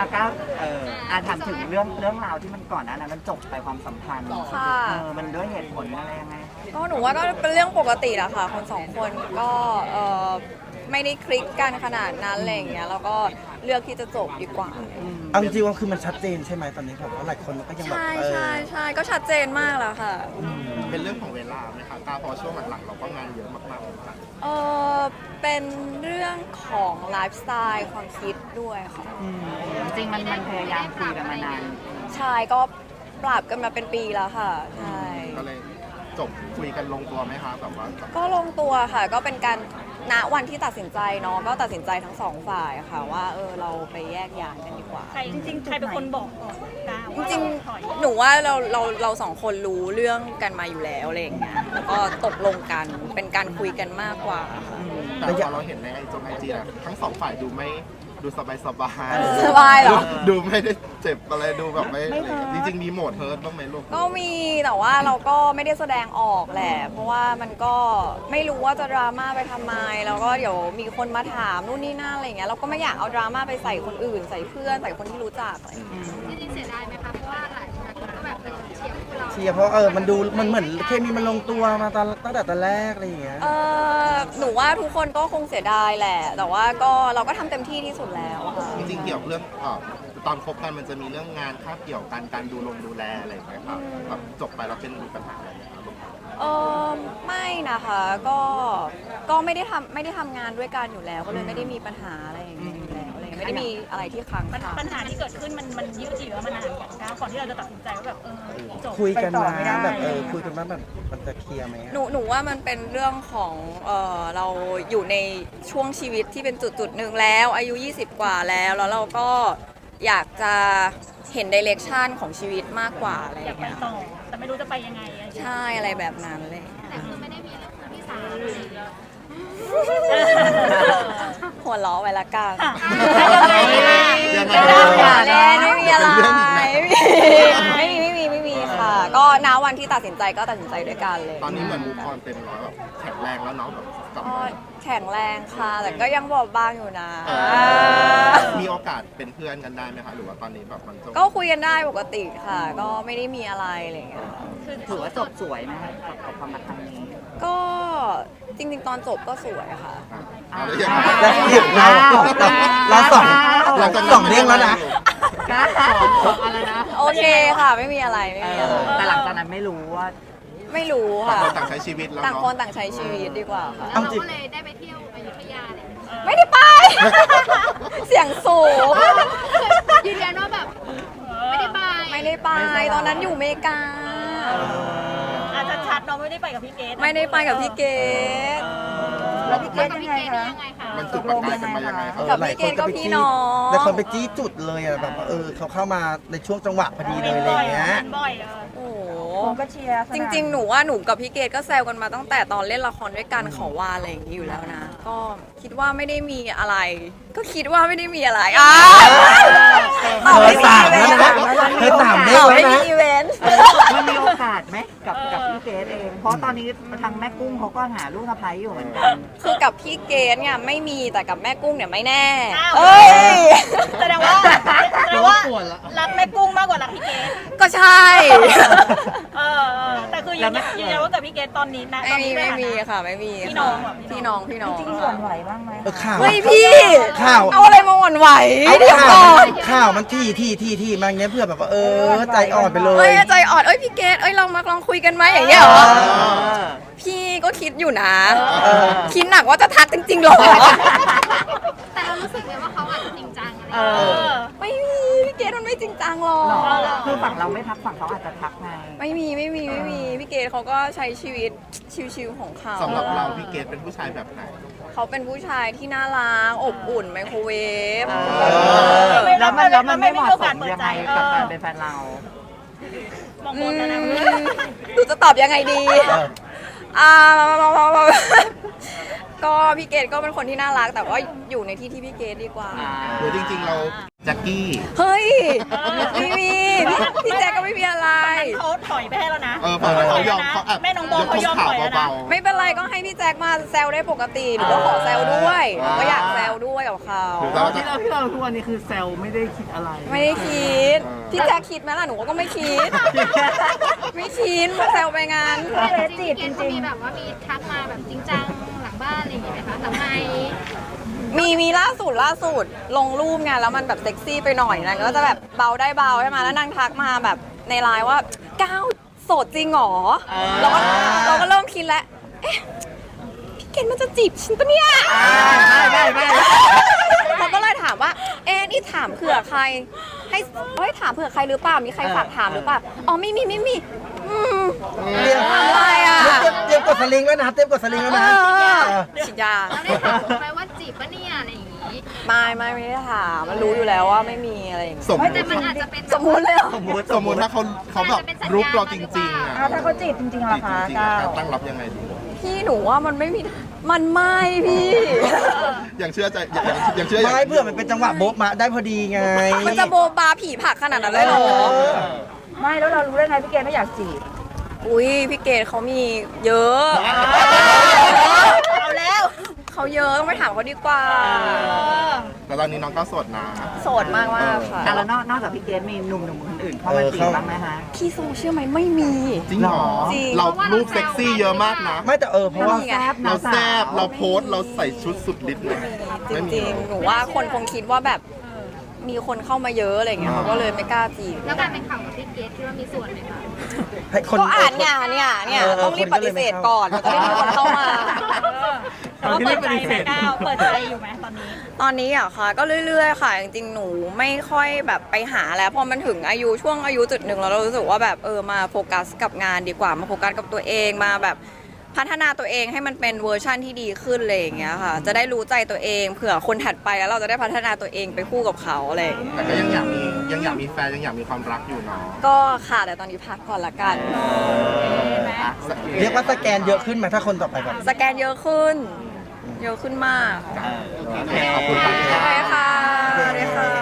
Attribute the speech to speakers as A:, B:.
A: ก็ถามถึงเรื่องราวที่มันก่อนหน้านั้นมันจบไปความสัมพันธ์มันด้วยเหตุผลอะไรยังไง
B: ก็หนูว่าก็เป็นเรื่องปกติแหละค่ะคนสองคนก็ไม่ได้คลิกกันขนาดนั้นอะไรอย่างเงี้ยแล้วก็เลือกที่จะจบดีกว่า
C: เอาจริงๆว่าคือมันชัดเจนใช่ไหมตอนนี้ผมว่าหลายคนก็ยังแบบ
B: ใช่ก็ชัดเจนมากแล้วค่ะ
D: เป็นเรื่องของเวลาไหมคะตาพอช่วงหลังๆเราก็งานเยอะมาก
B: เป็นเรื่องของไลฟ์สไตล์ความคิดด้วยค่ะ
A: จริงมันพยายามคุยกันมานาน
B: ใช่ก็ปรับกันมาเป็นปีแล้วค่ะใช่
D: ก็เลยจบคุยกันลงตัวไหมคะแบบว่า
B: ก็ลงตัวค่ะก็เป็นการณวันที่ตัดสินใจเนาะก็ตัดสินใจทั้งสองฝ่ายค่ะว่าเราไปแยกย้ายกันดีกว่า
E: จริงๆใครเป็นคนบอกก่อน
B: จริงๆหนูว่าเราสองคนรู้เรื่องกันมาอยู่แล้วอะไรอย่างเงี้ยแล้วก็ตกลงกันเป็นการคุยกันมากกว่า
D: แต่พอเราเห็นในไอจีอะทั้งสองฝ่ายดูสบาย
B: เหรอ
D: ดูไม่ได้เจ็บอะไรดูแบบไม่จริงๆมีโหมดเฮิร์ตบ้างไหมลูก
B: ก็มีแต่ว่าเราก็ไม่ได้แสดงออกแหละเพราะว่ามันก็ไม่รู้ว่าจะดราม่าไปทำไมแล้วก็เดี๋ยวมีคนมาถามนู่นนี่นั่นอะไรอย่างเงี้ยเราก็ไม่อยากเอาดราม่าไปใส่คนอื่นใส่เพื่อนใส่คนที่รู้จักอะไร
F: จริงๆเสียดายไหมคะเพราะว่าหลายคนก็แบบ
C: เชียร์เพราะมันเหมือนเคมีมันลงตัวมาตั้งแต่ตอนแรกอะไรอย่างเงี้ย
B: หนูว่าทุกคนก็คงเสียดายแหละแต่ว่าเราก็ทำเต็มที่ที่สุดแล้ว
D: จริงๆเกี่ยวเรื่องตอนคบกันมันจะมีเรื่องงานคาบเกี่ยวกันการดูแลอะไรอย่างเงี้ยครับแบบจบไปแล้วเป็นมีปัญหาอะไรไหมครับ
B: ไม่นะคะก็ไม่ได้ทำงานด้วยกันอยู่แล้วก็เลยไม่ได้มีปัญหาอะไรอย่างเงี้ยอยู่แล้วอะไรไม่ได้มีอะไรที่ค้างคา
E: ปัญหาที่เกิดขึ้นมันยืดเยื้อมานานอย่างก่อนที่เราจะตัดสินใจว่าแบบจบ
C: คุยกันมาแบบคุยกันมาแบบมันจะเคลียร์ไหม
B: หนูว่ามันเป็นเรื่องของเราอยู่ในช่วงชีวิตที่เป็นจุดหนึ่งแล้วอายุ20กว่าแล้วเราก็อยากจะเห็นดิเรกชันของชีวิตมากกว่าอะไรอย่างเงี้ย
E: ต่อแต่ไม่รู้จะไปยังไง
B: ใช่อะไรแบบนั้นเลย
F: แต่คือไม่ได้มีเรื่องที่สาม
B: หัวล้อไว้ละกัน
D: ไม่
B: มีอะไรไม่มีค่ะก็ณวันที่ตัดสินใจก็ตัดสินใจด้วยกันเลย
D: ตอนนี้เหมือนมูฟออนเต็มร้อยแบบแข็งแรงแล้วเนาะแบบ
B: แข็งแรงค่ะแต่ก็ยังบอบบางอยู่นะ
D: มีโอกาสเป็นเพื่อนกันได้ไหมคะหรือว่าตอนนี้แบบมัน
B: ก็คุยกันได้ปกติค่ะก็ไม่ได้มีอะไรอะไรอย่างเงี้ย
A: ถือว่าจบสวยไหมกับความรักครั้งนี้
B: ก็จริงๆตอนจบก็สวยค่ะ
C: เราสองเรื่องแล้วนะ
B: โอเคค่ะไม่มีอะไร
A: แต่หลังจากนั้นไม่รู้
B: ค่ะ
D: ต่างใช้ชีวิตแล้ว
B: ต่างคนต่างใช้ชีวิตดีกว่าค่ะ
F: เราก็เลยได้ไปเที่ยวอยุธยาเลย
B: ไม่ได้ไปเสียงสูง
F: ยืนยันว่าแบบไม่ได้ไป
B: ตอนนั้นอยู่อเมริกา
E: ชัดๆเราไม่ได้ไปกับพี่เกด
B: ไม่ได้ไปกับพี่เกด
A: แล้วพี่เกดยังไงคะ
D: มันจุดประกายกันมายังไงครับ
B: กับพี่เกดก็พี่น้อง
C: แต่คนไปจี้จุดเลยอะแบบเขาเข้ามาในช่วงจังหวะพอดีเลยอะไรเงี้ย
B: โอ้ก็เชียร์จริงๆหนูว่าหนูกับพี่เกดก็แซวกันมาตั้งแต่ตอนเล่นละครด้วยกันขอวาอะไรอย่างนี้อยู่แล้วนะก็คิดว่าไม่ได้มีอะไรก็คิดว่าไม่ได้มีอะไร
C: ไม่มีอีเวนต์
A: มันมีโอกาสไหมกับพี่เกดเองเพราะตอนนี้ทางแม่กุ้งเขาก็หาลูกสะใภ้อยู่เหมือนกัน
B: คือกับพี่เกดเนี่ยไม่มีแต่กับแม่กุ้งเนี่ยไม่แน่
E: แสดงว่ารักแม่กุ้งมากกว่ารักพี่เกด
B: ก็ใช่
E: แต่คือยืนยันว่ากับพี่เกดตอนนี้นะ
B: ไม่มีค่ะไม่มีพี่น้องจริง
A: หวั่นไหวบ้างไหม
B: ไม่พี่
C: ข่าว
B: เอาอะไรมาหวั่นไหวเดี๋ยวก่อน
C: ข่าวมันที่มาเงี้ยเพื่อแบบว่าใจอ่อนไปเลย
B: ใจอ่อนพี่เกดลองคุยกันไหมอย่างเงี้ยเหรอพี่ก็คิดอยู่นะคิดหนักว่าจะทักจริงๆหรอ
F: แต่เรารู้สึกเลยว่าเขาอาจจะจริงจัง
B: ไม่มีพี่เกดมันไม่จริงจังหรอก
A: คือฝั่งเราไม่ทักฝั่งเขาอาจจะทักไง
B: ไม่มีพี่เกดเขาก็ใช้ชีวิตชิวๆของเขา
D: สำหรับเราพี่เกดเป็นผู้ชายแบบไหน
B: เขาเป็นผู้ชายที่น่ารักอบอุ่นไมโครเวฟ
A: แล้วมันไม่เหมาะสมยังไงกับการเป็นแฟนเรา
E: มองบนแล้วนะ
B: ดูจะตอบยังไงดีก็พี่เกดก็เป็นคนที่น่ารักแต่ว่าอยู่ในที่พี่เกดดีกว่า
D: หรือจริงๆเราแจ็คกี้
B: เฮ้ยไม่มีพี่แจ็คก็ไม่มีอะไร
E: เขาถอยไปให้แล้วนะ
D: ฝั่งนั้นเขายอม
E: ถ
D: เขา
E: แม่น้องโบเขายอมถอยแล้วนะ
B: ไม่เป็นไรก็ให้พี่แจ็คมาแซวได้ปกติหนูก็ขอแซวด้วยก็อยากแซวด้วยกับเขา
A: ที่เราทุกวันนี้คือแซลไม่ได้คิดอะไร
B: ไม่ได้คิดพี่แจ็คคิดไหมล่ะหนูก็ไม่คิด ไม่คิดมาแซวไปงาน
F: จริงๆเกณฑ์เขามีแบบว่ามีทักมาแบบจริงจังหลังบ้านอะไรอย่างเงี้ยไหมคะหลังไมค์
B: มีล่าสุดลงรูปไงแล้วมันแบบเซ็กซี่ไปหน่อยนางก็จะแบบเบาได้เบาใช่ไหมแล้วนางทักมาแบบในไลน์ว่าก้าวโสดจริงหรอเราก็เริ่มคิดแล้วเอ๊ะพี่เกณฑ์มันจะจีบฉันปะเนี่ย
A: ไม่
B: เขาก็เลยถามว่าเอ๊ะนี่ถามเผื่อใครให้ถามเผื่อใครหรือเปล่ามีใครฝากถามหรือเปล่าอ๋อไม่มี
C: เตรียม
B: อะไรอ่ะ
C: เตรียมกดสลิงแล้วนะเตรียมกดสลิงแล้วนะ
B: ฉีดยา
F: เราได้ถามเขาไหมว่าจีบปะเนี่ยอะไรอย่างงี้
B: ไม่ได้ถามมันรู้อยู่แล้วว่าไม่มีอะไรอย่างเงี้ย
D: สมมติ
F: แต่มันอาจจะเป็น
B: สมมุติเลยเหรอ
D: สมมติถ้าเขาแบบรุกเราจริงๆอ่ะ
E: ถ้าเขาจีบจริงๆล่ะคะ
D: จริงๆ
E: ก้า
D: อะ
E: ว
D: ตั้งรับยังไงดี
B: พี่หนูว่ามันไม่พี่
D: ยังเชื่อใจยังเชื่อ
C: ไม่เพื่อมันเป็นจังหวะโบ๊ะมาได้พอดีไง
B: มันจะโบบาผีผักขนาดนั้นเลยเหรอ
E: ไม่แล้วเรารู้ได้ไงพี่เกณฑ์ไม่อยากจีบ
B: อุ้ยพี่เกดเขามีเยอะ
E: เอาแล้ว
B: เขาเยอะต้องไปถามเขาดีกว่า
D: แต่ตอนนี้น้องก็โสดนะ
B: โสดมากค่ะ
A: แล้วนอกจากพี่เกดมีหนุ่มคนอื่นเข้ามาจีบบ้างไหมฮะ
B: พี่โซเชื่อไหมไม่มี
D: จริงเหรอ
B: จริง
D: เรารูปเซ็กซี่เยอะมากนะ
C: ไม่แต่เพราะว่า
B: นี่ไง
D: เราแซบเราโพสต์เราใส่ชุดสุดฤทธิ์เลย
B: จริงๆหนูว่าคนคงคิดว่าแบบมีคนเข้ามาเยอะอะไรเงี้ยเขาก็เลยไม่กล้าจีบ
F: แล้วการเป็นข่าวกับพี่เกดคิดว่ามีส่วนไหมคะ
C: ให้คน
B: ก็อ่านเนี่ยต้องรีบปฏิเสธก่อนมันจะได้มีคนเข้ามา
E: เราเปิดใจไหมก้าวเปิดใจอยู่ไหมตอนนี้
B: ตอนนี้อะค่ะก็เรื่อยๆค่ะจริงๆหนูไม่ค่อยแบบไปหาแล้วพอมันถึงช่วงอายุจุดหนึ่งแล้วเรารู้สึกว่าแบบมาโฟกัสกับงานดีกว่ามาโฟกัสกับตัวเองมาแบบพัฒนาตัวเองให้มันเป็นเวอร์ชั่นที่ดีขึ้นอะไรอย่างเงี้ยค่ะจะได้รู้ใจตัวเองเผื่อคนถัดไปแล้วเราจะได้พัฒนาตัวเองไปคู่กับเขาอะไรอย่างเงี้ย
D: แต่ก็ยังอยากมีแฟนยังอยากมีความรักอยู่เนาะ
B: ก็ค่ะแต่ตอนนี้พักก่อนละกัน
D: อ่ะ
C: เรียกว่าสแกนเยอะขึ้นไหมถ้าคนต่อไปแบบ
B: สแกนเยอะขึ้นมาก
A: โอเค
D: ขอบคุณครับ
B: โอเคค่ะสวัสดีค่ะ